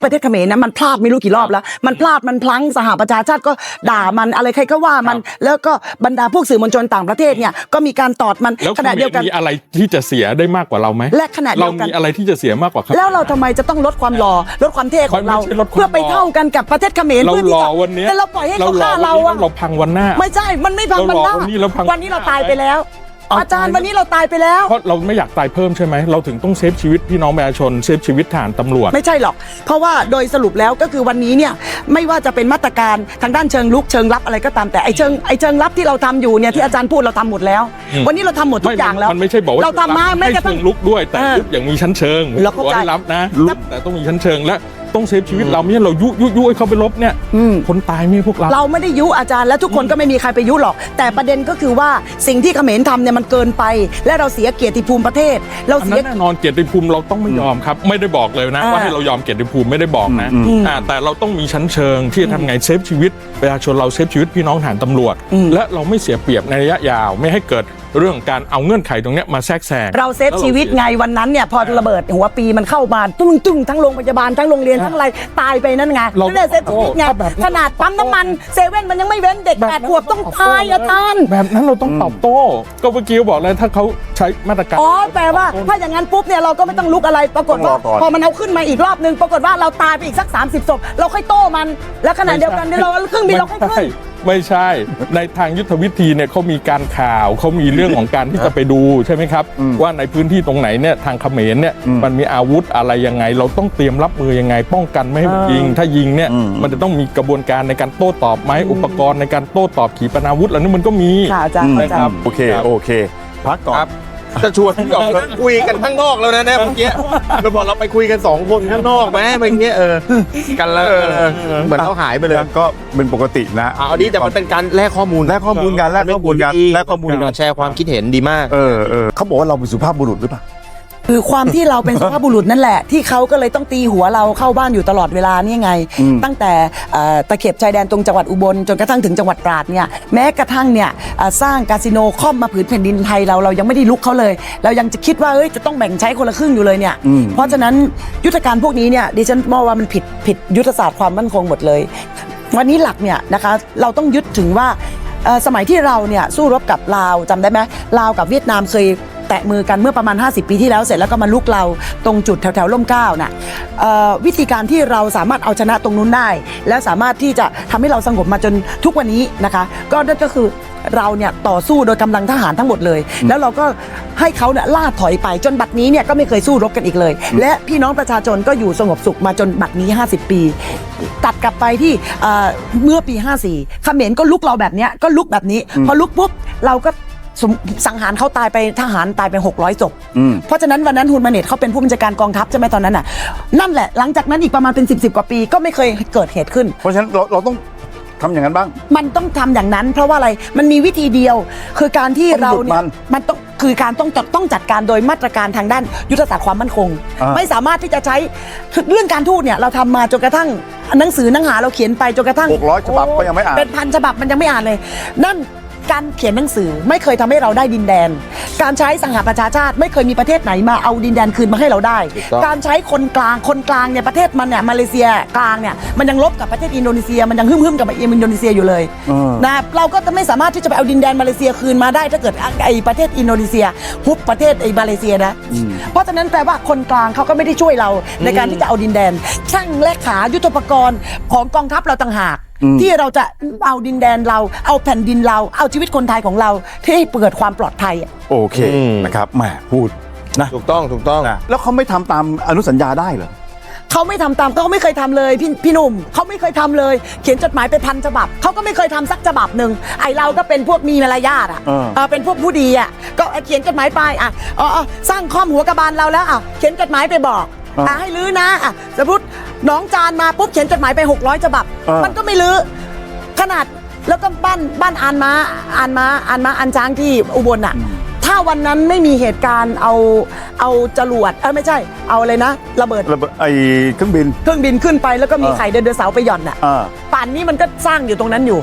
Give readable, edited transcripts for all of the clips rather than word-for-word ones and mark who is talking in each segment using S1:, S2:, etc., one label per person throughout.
S1: ประเทศเขมรนะมันพลาดไม่รู้กี่รอบแล้วมันพลาดมันพลั้งสหประชาชาติก็ด่ามันอะไรใครก็ว่ามันแล้วก็บรรดาพวกสื่อมวลชนต่างประเทศเนี่ยก็มีการตอดมัน
S2: แล้ว
S1: ขณะเดียวกัน
S2: มีอะไรที่จะเสียได้มากกว่าเราไหม
S1: และขณะเดียวกัน
S2: เรามีอะไรที่จะเสียมากกว่าเขา
S1: แล้วเราทำไมจะต้องลดความหล่อลดความเท่ของเราเพื่อไปเท่ากันกับประเทศเขมร
S2: เราหล่อวันนี้
S1: แต่เราปล่อยให้เขาฆ่าเราอะ
S2: เราพังวันหน้า
S1: ไม่ใช่มันไม่พังวันหน้าวันนี้เราตายไปแล้วอาจารย์วันนี้เราตายไปแล้ว
S2: เพราะเราไม่อยากตายเพิ่มใช่ไหมเราถึงต้องเซฟชีวิตพี่น้องประชาชนเซฟชีวิตทหารตำรวจ
S1: ไม่ใช่หรอกเพราะว่าโดยสรุปแล้วก็คือวันนี้เนี่ยไม่ว่าจะเป็นมาตรการทางด้านเชิงลุกเชิงรับอะไรก็ตามแต่ไอ้เชิงรับที่เราทำอยู่เนี่ยที่อาจารย์พูดเราทำหมดแล้ววันนี้เราทำหมดทุกอย่างแล้ว
S2: มันไม่ใช่บอกว่า
S1: เราทำมาไม่กระทั่ง
S2: ลุกด้วยแต่ลุกอย่างมีชั้นเชิง
S1: เราเข้าใจ
S2: รับนะแต่ต้องมีชั้นเชิงและต้องเซฟชีวิตเราไม่ใช่เรายุให้เขาไปลบเนี่ยคนตายไม่พวกเรา
S1: ไม่ได้ยุอาจารย์และทุกคนก็ไม่มีใครไปยุหรอกแต่ประเด็นก็คือว่าสิ่งที่เขมรทำเนี่ยมันเกินไปและเราเสียเกียรติภูมิประเทศเราเสีย
S2: แน่นอนเกียรติภูมิเราต้องไม่ยอมครับไม่ได้บอกเลยนะว่าให้เรายอมเกียรติภูมิไม่ได้บอกนะแต่เราต้องมีชั้นเชิงที่จะทำไงเซฟชีวิตประชาชนเราเซฟชีวิตพี่น้องทหารตำรวจและเราไม่เสียเปรียบในระยะยาวไม่ให้เกิดเรื่องการเอาเงื่อนไขตรงนี้มาแทรกแซง
S1: เราเซฟชีวิตไงวันนั้นเนี่ยพอระเบิดหัวปีมันเข้ามาตุ้งทั้งโรงพยาบาลทั้งโรงเรียนทั้งอะไรตายไปนั่นไงเราได้เซฟชีวิตไงขนาดปั๊มน้ำมันเซเว่นมันยังไม่เว้นเด็ก8 ขวบต้องตายอาจารย์
S2: แบบนั้นเราต้องตอบโต้ก็เมื่อกี้บอกเลยถ้าเขาใช้มาตรการ
S1: แปลว่าถ้าอย่างนั้นปุ๊บเนี่ยเราก็ไม่ต้องลุกอะไรปรากฏว่าพอมันเอาขึ้นมาอีกรอบนึงปรากฏว่าเราตายไปอีกสัก30 ศพเราค่อยโต้มันแล้วขณะเดียวกันเราเครื่องบินเราค่อยขึ้น
S2: ไม่ใช่ในทางยุทธวิธีเนี่ยเขามีการข่าวเขามีเรื่องของการที่จะไปดูใช่ไหมครับว่าในพื้นที่ตรงไหนเนี่ยทางเขมรเนี่ยมันมีอาวุธอะไรยังไงเราต้องเตรียมรับมือยังไงป้องกันไม่ให้มันยิงถ้ายิงเนี่ยมันจะต้องมีกระบวนการในการโต้ตอบไหมอุปกรณ์ในการโต้ตอบขีปนาวุธอะไรนี่มันก็มี
S1: นะครับ
S3: โอเคพักก่อน
S4: จะชวนออกคุยกันข้างนอกแล้วนะเนี่ยเมื่อกี้เราบอกเราไปคุยกัน2 คนข้างนอกไหมเมื่อกี้กันแล้วเหมือนเขาหายไปเลย
S3: ก็เป็นปกตินะ
S4: เอาดีแต่มันเป็นการแลกข้อมูล
S3: กันแลกข้อมูลกัน
S4: แชร์ความคิดเห็นดีมาก
S3: เขาบอกว่าเราเป็นสุภาพบุรุษหรือเปล่า
S1: คือความที่เราเป็นสุภาพบุรุษนั่นแหละที่เขาก็เลยต้องตีหัวเราเข้าบ้านอยู่ตลอดเวลานี่ไงตั้งแต่ตะเข็บชายแดนตรงจังหวัดอุบลจนกระทั่งถึงจังหวัดตราดเนี่ยแม้กระทั่งเนี่ยสร้างคาสิโนค่อมมาผืนแผ่นดินไทยเรายังไม่ได้ลุกเขาเลยเรายังจะคิดว่าจะต้องแบ่งใช้คนละครึ่งอยู่เลยเนี่ยเพราะฉะนั้นยุทธการพวกนี้เนี่ยดิฉันมองว่ามันผิดยุทธศาสตร์ความมั่นคงหมดเลยวันนี้หลักเนี่ยนะคะเราต้องยึดถึงว่าสมัยที่เราเนี่ยสู้รบกับลาวจำได้ไหมลาวกับเวียดนามเคยแตะมือกันเมื่อประมาณ50 ปีที่แล้วเสร็จแล้วก็มาลุกเราตรงจุดแถวร่มเกล้าน่ะวิธีการที่เราสามารถเอาชนะตรงนู้นได้และสามารถที่จะทำให้เราสงบมาจนทุกวันนี้นะคะก็นั่นก็คือเราเนี่ยต่อสู้โดยกำลังทหารทั้งหมดเลยแล้วเราก็ให้เขาเนี่ยล่าถอยไปจนบัดนี้เนี่ยก็ไม่เคยสู้รบกันอีกเลยและพี่น้องประชาชนก็อยู่สงบสุขมาจนบัดนี้50 ปีตัดกลับไปที่เมื่อปี54เขมรก็ลุกเราแบบนี้ก็ลุกแบบนี้พอลุกปุ๊บเราก็สังหารเขาตายไปทหารตายไป600 ศพเพราะฉะนั้นวันนั้นฮุนมาเนตเขาเป็นผู้บัญชาการกองทัพใช่ไหมตอนนั้นน่ะนั่นแหละหลังจากนั้นอีกประมาณเป็น10 กว่าปีก็ไม่เคยเกิดเหตุขึ้น
S3: เพราะฉะนั้นเราต้องทำอย่างนั้นบ้าง
S1: มันต้องทำอย่างนั้นเพราะว่าอะไรมันมีวิธีเดียวคือการที่เราเนี่ยมันคือการต้องจัดการโดยมาตรการทางด้านยุทธศาสตร์ความมั่นคงไม่สามารถที่จะใช้เรื่องการทูตเนี่ยเราทำมาจนกระทั่งหนังสือหนังหาเราเขียนไปจนกระทั่ง
S3: 600 ฉบับก็ยังไม่อ่าน
S1: เป็น1,000 ฉบับมันยังไม่อ่านเลยนั่นการเขียนหนังสือไม่เคยทำให้เราได้ดินแดนการใช้สหประชาชาติไม่เคยมีประเทศไหนมาเอาดินแดนคืนมาให้เราได้การใช้คนกลางเนี่ยประเทศมันเนี่ยมาเลเซียกลางเนี่ยมันยังลบกับประเทศอินโดนีเซียมันยังหึ่มกับอินโดนีเซียอยู่เลยนะเราก็จะไม่สามารถที่จะไปเอาดินแดนมาเลเซียคืนมาได้ถ้าเกิดไอ้ประเทศอินโดนีเซียฮุบประเทศไอ้มาเลเซียนะเพราะฉะนั้นแปลว่าคนกลางเขาก็ไม่ได้ช่วยเราในการที่จะเอาดินแดนช่างและขายุทโธปกรณ์ของกองทัพเราต่างหากที่เราจะเอาดินแดนเราเอาแผ่นดินเราเอาชีวิตคนไทยของเราที่ให้เกิดความปลอดภัย
S3: โอเคนะครับแหมพูดนะ
S4: ถูกต้อง
S3: แล้วเขาไม่ทำตามอนุสัญญาได้เหรอ
S1: เขาไม่ทำตามเขาไม่เคยทำเลยพี่หนุ่มเขาไม่เคยทำเลยเขียนจดหมายไป1,000 ฉบับเขาก็ไม่เคยทำสักฉบับหนึ่งไอเราก็เป็นพวกมีมารยาทเป็นพวกผู้ดีก็เขียนจดหมายไปสร้างข้อมหัวกระบาลเราแล้วเขียนจดหมายไปบอกให้ลื้อนะสมมติน้องจานมาปุ๊บเขียนจดหมายไป600 ฉบับมันก็ไม่ลื้อขนาดแล้วก็บ้านอ่านม้าช้างที่อุบลถ้าวันนั้นไม่มีเหตุการณ์เอาจรวดไม่ใช่เอาอะไรนะระเบิด
S3: ไอเครื่องบิน
S1: ขึ้นไปแล้วก็มีไข่ไดโนเสาร์ไปหย่อนป่านนี้มันก็สร้างอยู่ตรงนั้นอยู่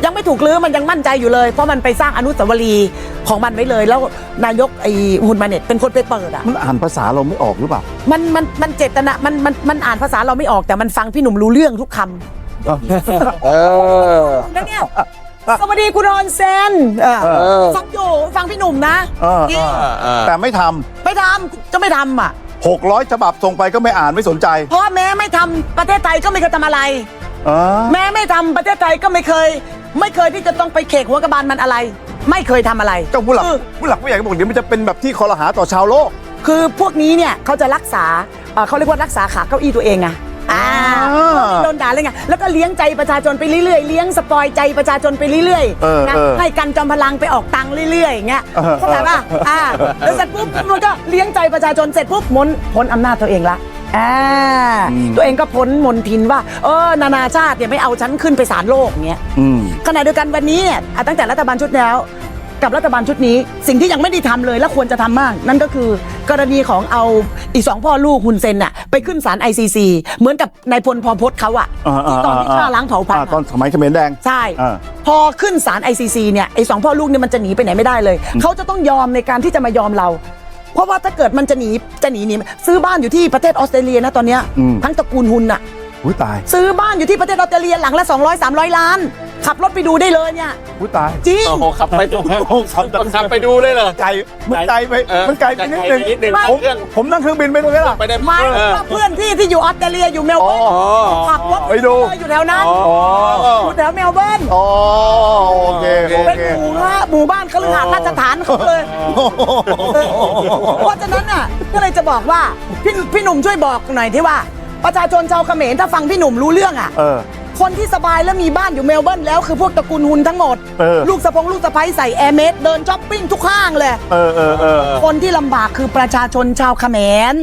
S1: ยังไม่ถูกลื้อมันยังมั่นใจอยู่เลยเพราะมันไปสร้างอนุสาวรีย์ของมันไว้เลย แล้วนายกไอ้ฮุนมาเน็ตเป็นคนไปเปิดอ่ะ
S3: มันอ่านภาษาเราไม่ออกหรือเปล่า
S1: มันเจตนามันอ่านภาษาเราไม่ออกแต่มันฟังพี่หนุ่มรู้เรื่องทุกคำแล้วเนี่ยสวัสดีคุณออนเซนฟังอยู่ฟังพี่หนุ่มนะ จริง
S3: แต่ไม่ท
S1: ไม่ทำจะไม่ทำอ่ะ
S3: ำ600ฉบับส่งไปก็ไม่อ่านไม่สนใจ
S1: เพราะแม้ไม่ทำประเทศไทยก็ไม่เคยทำอะไร แม้ไม่ทำประเทศไทยก็ไม่เคยที่จะต้องไปเขกหัวกระบาลมันอะไร ไม่เคยทำอะไร
S3: เจ้าผู้หลักผู้ใหญ่ก็บอกเดี๋ยวมันจะเป็นแบบที่คอรหาต่อชาวโลก
S1: คือพวกนี้เนี่ยเขาจะรักษาเขาเรียกว่ารักษาขาเก้าอี้ตัวเองไงโดนด่าเลยไงแล้วก็เลี้ยงใจประชาชนไปเรื่อยๆเลี้ยงสปอยใจประชาชนไปเรื่อยๆนะให้กันจอมพลังไปออกตังค์เรื่อยๆอย่างเงี้ยเข้าใจป่ะแล้วเสร็จปุ๊บมันก็เลี้ยงใจประชาชนเสร็จปุ๊บพ้นอำนาจตัวเองละตัวเองก็พ้นมนทินว่านานาชาติเนี่ยไม่เอาฉันขึ้นไปศาลโลกเงี้ยขณะเดียวกันวันนี้เนี่ยตั้งแต่รัฐบาลชุดแล้วกับรัฐบาลชุดนี้สิ่งที่ยังไม่ได้ทำเลยและควรจะทำมากนั่นก็คือกรณีของเอาอีก2พ่อลูกฮุนเซนน่ะไปขึ้นศาล ICC เหมือนกับนายพลพพจน์เขาอะตอนที่ฆ่าล้างเผ่าพันธุ์
S3: ตอนสมัยเขมรแดง
S1: ใช่พอขึ้นศาล ICC เนี่ยไอ้2พ่อลูกเนี่ยมันจะหนีไปไหนไม่ได้เลยเขาจะต้องยอมในการที่จะมายอมเราเพราะว่าถ้าเกิดมันจะหนีซื้อบ้านอยู่ที่ประเทศออสเตรเลียนะตอนเนี้ยทั้งตระกูลฮุนน่ะ
S3: ตาย
S1: ซื้อบ้านอยู่ที่ประเทศออสเตรเลียหลังละ200-300 ล้านขับรถไปดูได้เลยเนี่ย
S3: ตาย
S1: จริง
S4: ขับไปดูขับไปดูได้เลย
S3: มันไกลไปนิดนึงผมนั่งเครื่องบินไปเลยล่ะ
S4: ไปได้
S1: ไม่เพื่อนที่อยู่ออสเตรเลียอยู่เมลเบิร์นขับรถ
S3: ไปดู
S1: อยู่แถวนั้นอยู่แถวเมลเบิร์น
S3: โอเค
S1: เป็นหมู่บ้านคฤหาสน์ราชฐานเขาเลยเพราะฉะนั้นน่ะก็เลยจะบอกว่าพี่หนุ่มช่วยบอกหน่อยที่ว่าประชาชนชาวเขมรถ้าฟังพี่หนุ่มรู้เรื่องอ่ะคนที่สบายแล้วมีบ้านอยู่เมลเบิร์นแล้วคือพวกตระกูลฮุนทั้งหมดลูกสะใภ้ใส่แอร์เมสเดินช้อปปิ้งทุกห้างเลยคนที่ลำบากคือประชาชนชาวเขมร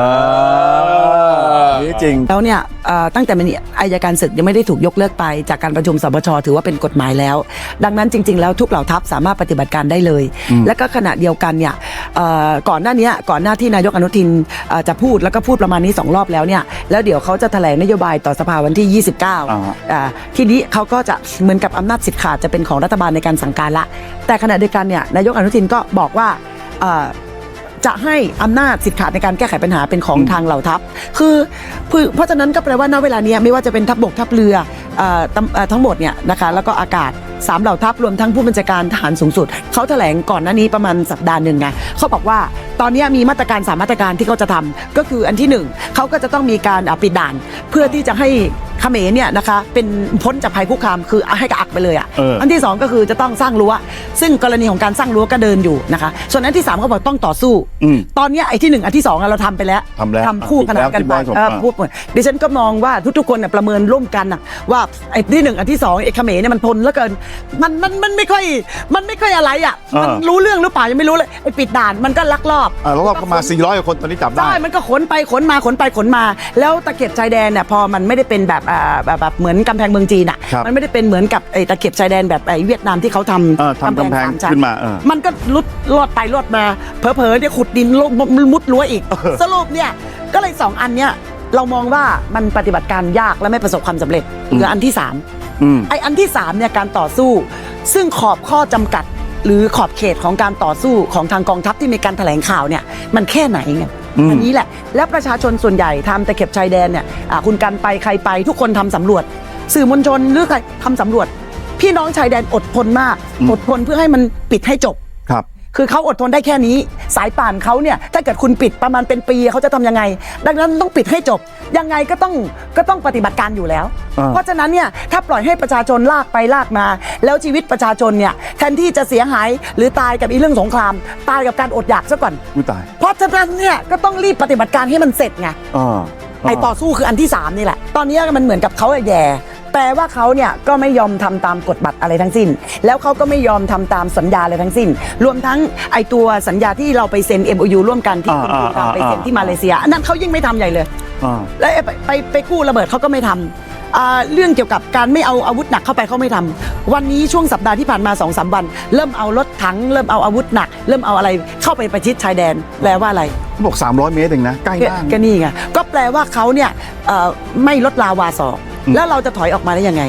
S3: นี่จริง
S1: แล้วเนี่ยตั้งแต่มันอัยการศึกยังไม่ได้ถูกยกเลิกไปจากการประชุมสบชถือว่าเป็นกฎหมายแล้วดังนั้นจริงๆแล้วทุกเหล่าทัพสามารถปฏิบัติการได้เลยและก็ขณะเดียวกันเนี่ยก่อนหน้าที่นายกอนุทินจะพูดแล้วก็พูดประมาณนี้2 รอบแล้วเนี่ยแล้วเดี๋ยวเขาจะแถลงนโยบายต่อสภาวันที่29ทีนี้เขาก็จะเหมือนกับอำนาจสิทธิ์ขาดจะเป็นของรัฐบาลในการสั่งการละแต่ขณะเดียวกันเนี่ยนายกอนุทินก็บอกว่าจะให้อำนาจสิทธิ์ขาดในการแก้ไขปัญหาเป็นของทางเหล่าทัพคือเพราะฉะนั้นก็แปลว่าณเวลานี้ไม่ว่าจะเป็นทัพบกทัพเรือทั้งหมดเนี่ยนะคะแล้วก็อากาศ3เหล่าทัพรวมทั้งผู้บัญชาการทหารสูงสุดเขาแถลงก่อนหน้านี้ประมาณสัปดาห์หนึ่งไงเขาบอกว่าตอนนี้มีมาตรการ3มาตรการที่เขาจะทำก็คืออันที่1เขาก็จะต้องมีการปิดด่านเพื่อที่จะให้เขมรเนี่ยนะคะเป็นพ้นจากภัยคุกคามคือให้กระอักไปเลยอันที่2ก็คือจะต้องสร้างรั้วซึ่งกรณีของการสร้างรั้วก็เดินอยู่นะคะส่วนอันที่3เขาบอกต้องต่อสู้ตอนนี้ไอ้ที่1อันที่2เราทำไปแล้วทำคู่ขนานกันไปพูดเหมือนดิฉันก็มองว่าทุกๆคนประเมินร่วมกันว่าไอ้ที่1อันที่2ไอ้เขมรเนี่ยมันทนเหลือเกินมันไม่ค่อยอะไรมันรู้เรื่องหรือเปล่ายังไม่รู้เลยไอ้ปิดด่านมันก็ลักลอบ
S3: ก็มา400 กว่าคนตอนนี้จับได้
S1: ใช่มันก็ขนไปขนมาแล้วตะเข็บชายแดนเนี่ยพอมันไม่ได้เป็นแบบเหมือนกำแพงเมืองจีนมันไม่ได้เป็นเหมือนกับไอ้ตะเข็บชายแดนแบบไอ้เวียดนามที่เขาทำ
S3: กำแพงขึ้นมา
S1: มันก็ลอดไปลอดมาเผลอๆเนี่ยขุดดินมุดรั้วอีกสรุปเนี่ยก็เลย2อันเนี้ยเรามองว่ามันปฏิบัติการยากและไม่ประสบความสำเร็จเหลืออันที่3ไอ้อันที่3เนี่ยการต่อสู้ซึ่งขอบข้อจำกัดหรือขอบเขตของการต่อสู้ของทางกองทัพที่มีการแถลงข่าวเนี่ยมันแค่ไหนไงอันนี้แหละและประชาชนส่วนใหญ่ทำตะเข็บชายแดนเนี่ยคุณกันไปใครไปทุกคนทำสำรวจสื่อมวลชนหรือใครทำสำรวจพี่น้องชายแดนอดทนมากอดทนเพื่อให้มันปิดให้จบคือเขาอดทนได้แค่นี้สายป่านเขาเนี่ยถ้าเกิดคุณปิดประมาณเป็นปีเขาจะทำยังไงดังนั้นต้องปิดให้จบยังไงก็ต้องปฏิบัติการอยู่แล้วเพราะฉะนั้นเนี่ยถ้าปล่อยให้ประชาชนลากไปลากมาแล้วชีวิตประชาชนเนี่ยแทนที่จะเสียหายหรือตายกับเรื่องสงครามตายกับการอดอยากซะก่อนเพราะฉะนั้นเนี่ยก็ต้องรีบปฏิบัติการให้มันเสร็จไงไอ้ต่อสู้คืออันที่3นี่แหละตอนนี้มันเหมือนกับเขาแย่แปลว่าเขาเนี่ยก็ไม่ยอมทำตามกฎบัตรอะไรทั้งสิ้นแล้วเขาก็ไม่ยอมทำตามสัญญาอะไรทั้งสิ้นรวมทั้งไอตัวสัญญาที่เราไปเซ็น MOU ร่วมกันที่คุณภูมิไปเซ็นที่มาเลเซียอันนั้นเขายิ่งไม่ทำใหญ่เลยแล้วไปกู้ระเบิดเขาก็ไม่ทำเรื่องเกี่ยวกับการไม่เอาอาวุธหนักเข้าไปเขาไม่ทำวันนี้ช่วงสัปดาห์ที่ผ่านมา 2-3 วันเริ่มเอารถถังเริ่มเอาอาวุธหนักเริ่มเอาอะไรเข้าไปประชิดชายแดนแปลว่าอะไร
S3: บอก300 เมตรเองนะใกล้มาก
S1: ก็นี่ไงก็แปลว่าเขาเนี่ยไม่ลดลาวาศอกแล้วเราจะถอยออกมาได้ยังไง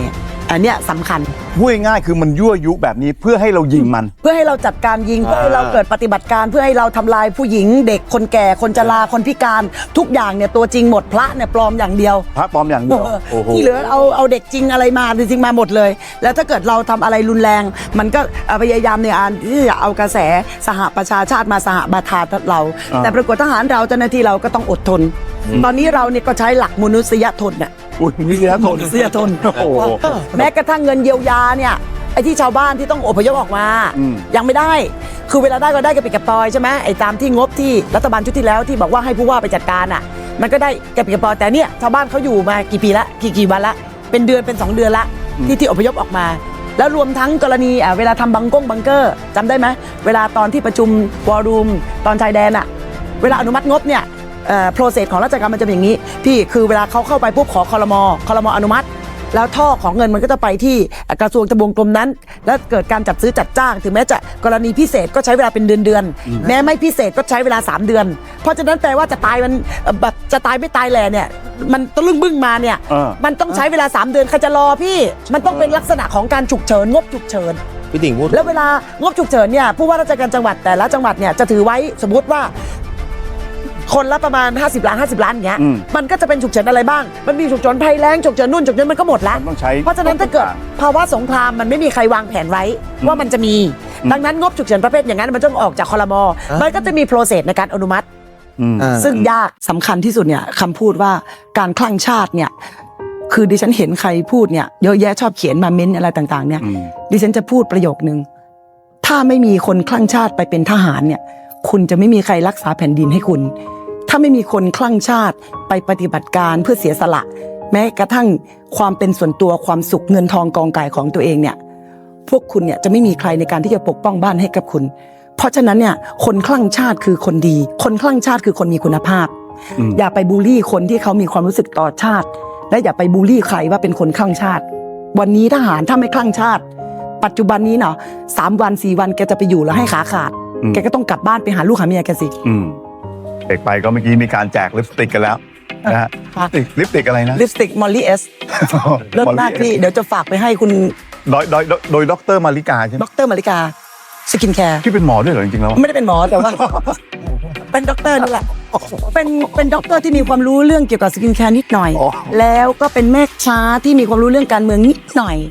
S1: อันเนี้ยสำคัญ
S3: พูดง่ายๆคือมันยั่วยุแบบนี้เพื่อให้เรายิงมัน
S1: เพื่อให้เราจัดการยิงเพื่อให้เราเกิดปฏิบัติการเพื่อให้เราทำลายผู้หญิงเด็กคนแก่คนชราคนพิการทุกอย่างเนี่ยตัวจริงหมดพระเนี่ยปลอมอย่างเดียว
S3: พระปลอมอย่างเดียวโอ้โห
S1: ที่เหลือเอาเด็กจริงอะไรมาจริงๆมาหมดเลย แล้วถ้าเกิดเราทำอะไรรุนแรง มันก็พยายามในการที่จะเอากระแสสหประชาชาติมาสหบาทาเรา แต่ปรากฏทหารเราเจ้าหน้าที่เราก็ต้องอดทน ตอนนี้เราเนี่ยก็ใช้หลักมนุษยชนเนี่ย
S3: อุ้ยนี่นะทน
S1: มนุษยชน
S3: โอ้โห
S1: แม้กระทั่งเงินเยียวยาเนี่ยไอ้ที่ชาวบ้านที่ต้องอพยพออกมา ยังไม่ได้ คือเวลาได้ก็ได้กระปิดกระปอยใช่ไหมไอ้ตามที่งบที่รัฐบาลชุดที่แล้วที่บอกว่าให้ผู้ว่าไปจัดการอ่ะมันก็ได้กระปิดกระปอยแต่เนี่ยชาวบ้านเขาอยู่มากี่ปีละกี่วันละเป็นเดือนเป็น2 เดือนละที่อพยพออกมา แล้วรวมทั้งกรณีเวลาทำบังเกอร์จำได้ไหมเวลาตอนที่ประชุมวอรูมตอนชายแดนอ่ะเวลาอนุมัติงบเนี่ยโปรเซสของราชการมันจะเป็นอย่างนี้พี่คือเวลาเขาเข้าไปปุ๊บขอคลมอนุมัติแล้วท่อของเงินมันก็จะไปที่กระทรวงทบวงกรมนั้นแล้วเกิดการจัดซื้อจัดจ้างถึงแม้จะกรณีพิเศษก็ใช้เวลาเป็นเดือนแม้ไม่พิเศษก็ใช้เวลา3 เดือนเพราะฉะนั้นแปลว่าจะตายมันแบบจะตายไม่ตายแหล่เนี่ยมันตะลึงบึ้งมาเนี่ยมันต้องใช้เวลา3 เดือนใครจะรอพี่มันต้องเป็นลักษณะของการฉุกเฉินงบฉุกเฉิน
S4: พี่ติ่งพูด
S1: แล้วเวลางบฉุกเฉินเนี่ยผู้ว่าราชการจังหวัดแต่ละจังหวัดเนี่ยจะถือไว้สมมติว่าคนละประมาณ50 ล้านอย่างเงี้ยมันก็จะเป็นฉุกเฉินอะไรบ้างมันมีฉุกเฉินภัยแล้งฉุกเฉินนู่นฉุกเฉินมันก็หมดแล้วเพราะฉะนั้นถ้าเกิดภาวะสงครามมันไม่มีใครวางแผนไว้ว่ามันจะมีดังนั้นงบฉุกเฉินประเภทอย่างนั้นมันต้องออกจากครม.มันก็จะมีโปรเซสในการอนุมัติซึ่งยากสำคัญที่สุดเนี่ยคำพูดว่าการคลั่งชาติเนี่ยคือดิฉันเห็นใครพูดเนี่ยเยอะแยะชอบเขียนมาเม้นอะไรต่างๆเนี่ยดิฉันจะพูดประโยคนึงถ้าไม่มีคนคลั่งชาติไปเป็นทหารเนี่ยคุณจะไม่มีใครรักษาแผ่นดินให้คุณถ้าไม่มีคนคลั่งชาติไปปฏิบัติการเพื่อเสียสละแม้กระทั่งความเป็นส่วนตัวความสุขเงินทองกองกายของตัวเองเนี่ยพวกคุณเนี่ยจะไม่มีใครในการที่จะปกป้องบ้านให้กับคุณเพราะฉะนั้นเนี่ยคนคลั่งชาติคือคนดีคนคลั่งชาติคือคนมีคุณภาพอย่าไปบูลลี่คนที่เขามีความรู้สึกต่อชาติและอย่าไปบูลลี่ใครว่าเป็นคนคลั่งชาติวันนี้ทหารถ้าไม่คลั่งชาติปัจจุบันนี้เนาะ3 วัน 4 วันแกจะไปอยู่แล้วให้ขาขาดแกก็ต้องกลับบ้านไปหาลูกหาเมียแกสิ
S3: เอกไปก็เมื่อกี้มีการแจกลิปสติกกันแล้วนะฮะลิปสติกอะไรนะ
S1: ลิปสติกมอลลี่เอสเลิศมากพี่เดี๋ยวจะฝากไปให้คุณ
S3: โดยดร.มาริกาใช่ไหม
S1: ดร.มาริกาสกินแคร์
S3: ที่เป็นหมอด้วยเหรอจริงๆแล้ว
S1: ไม่ได้เป็นหมอแต่ว่าเป็นด็อกเตอร์นี่แหละเป็นด็อกเตอร์ที่มีความรู้เรื่องเกี่ยวกับสกินแคร์นิดหน่อยแล้วก็เป็นแม่ค้าที่มีความรู้เรื่องการเมืองนิดหน่อย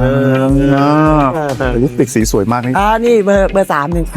S3: ลิปสติกสีสวยมากนี่
S1: นี่เบอร์3นึง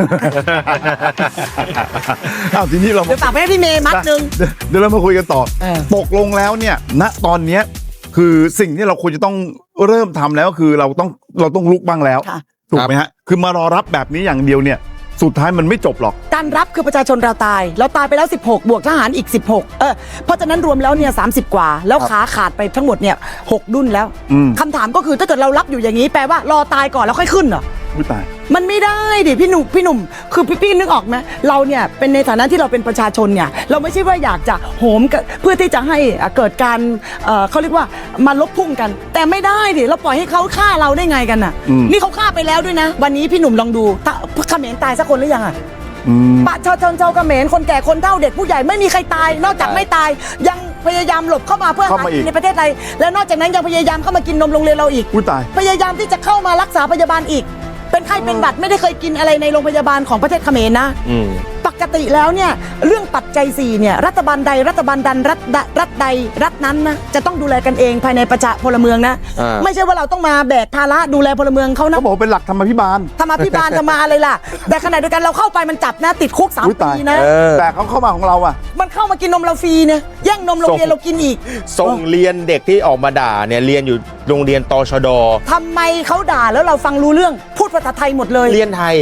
S3: ทีนี้เรา
S1: เดี๋ยวฝากไปให้พี่เมย์มัดนึง
S3: เดี๋ยวเรามาคุยกันต่อตกลงแล้วเนี่ยณตอนนี้คือสิ่งที่เราควรจะต้องเริ่มทำแล้วคือเราต้องลุกบ้างแล้วถูกไหมฮะคือมารอรับแบบนี้อย่างเดียวเนี่ยสุดท้ายมันไม่จบหรอก
S1: การรับคือประชาชนเราตายไปแล้ว16บวกทหารอีก16เพราะฉะนั้นรวมแล้วเนี่ย30กว่าแล้วขาขาดไปทั้งหมดเนี่ย6 ดุ้นแล้วคำถามก็คือถ้าเกิดเรารับอยู่อย่างนี้แปลว่ารอตายก่อนแล้วค่อยขึ้นเหรอ
S3: ไม่ตาย
S1: มันไม่ได้ดิพี่หนุ่มคือพี่นึกออกไหมเราเนี่ยเป็นในฐานะที่เราเป็นประชาชนเนี่ยเราไม่ใช่ว่าอยากจะโหมเพื่อที่จะให้เกิดการเขาเรียกว่ามาลบพุ่งกันแต่ไม่ได้ดิเราปล่อยให้เขาฆ่าเราได้ไงกันน่ะนี่เขาฆ่าไปแล้วด้วยนะวันนี้พี่หนุ่มลองดูเขมรตายสักคนหรือยังอ่ะประชาชนชาวเขมรคนแก่คนเฒ่าเด็กผู้ใหญ่ไม่มีใครตายนอกจากไม่ตายยังพยายามหลบเข้ามาเพื่อหากินในประเทศไทยแล้วนอกจากนั้นยังพยายามเข้ามากินนมโรงเรียนเราอีกพยายามที่จะเข้ามารักษาพยาบาลอีกเป็นไข้เป็นหวัดไม่ได้เคยกินอะไรในโรงพยาบาลของประเทศเขมรนะปกติแล้วเนี่ยเรื่องปัจจัย4เนี่ยรัฐบาลใดรัฐบาลดันรัฐใดรัฐนั้นนะจะต้องดูแลกันเองภายในประชาพลเมืองนะไม่ใช่ว่าเราต้องมาแบกภาระดูแลพลเมืองเขานะ
S3: เขาบอกเป็นหลักธรรมาภิบาล
S1: ทำมาอะไรล่ะแต่ขณะเดียวกันเราเข้าไปมันจับนะติดคุก3 ปีนะ
S3: แต่เขาเข้ามาของเราอ่ะ
S1: มันเข้ามากินนมเราฟรีเนี่ยแย่งนมโรงเรียนเรากินอีก
S4: ส่งเรียนเด็กที่ออกมาด่าเนี่ยเรียนอยู่โรงเรียนตชด.
S1: ทำไมเขาด่าแล้วเราฟังรู้เรื่องพูดภาษาไทยหมดเลย
S4: เรียนไทย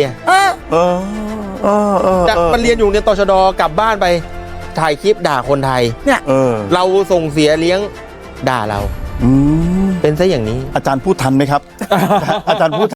S4: มันเรียนอยู่ในตชด.กลับบ้านไปถ่ายคลิปด่าคนไทย
S1: เนี่ย
S4: เราส่งเสียเลี้ยงด่าเราเป็นซะอย่างนี้
S3: อาจารย์พูดทันไหมครับอาจารย์พูด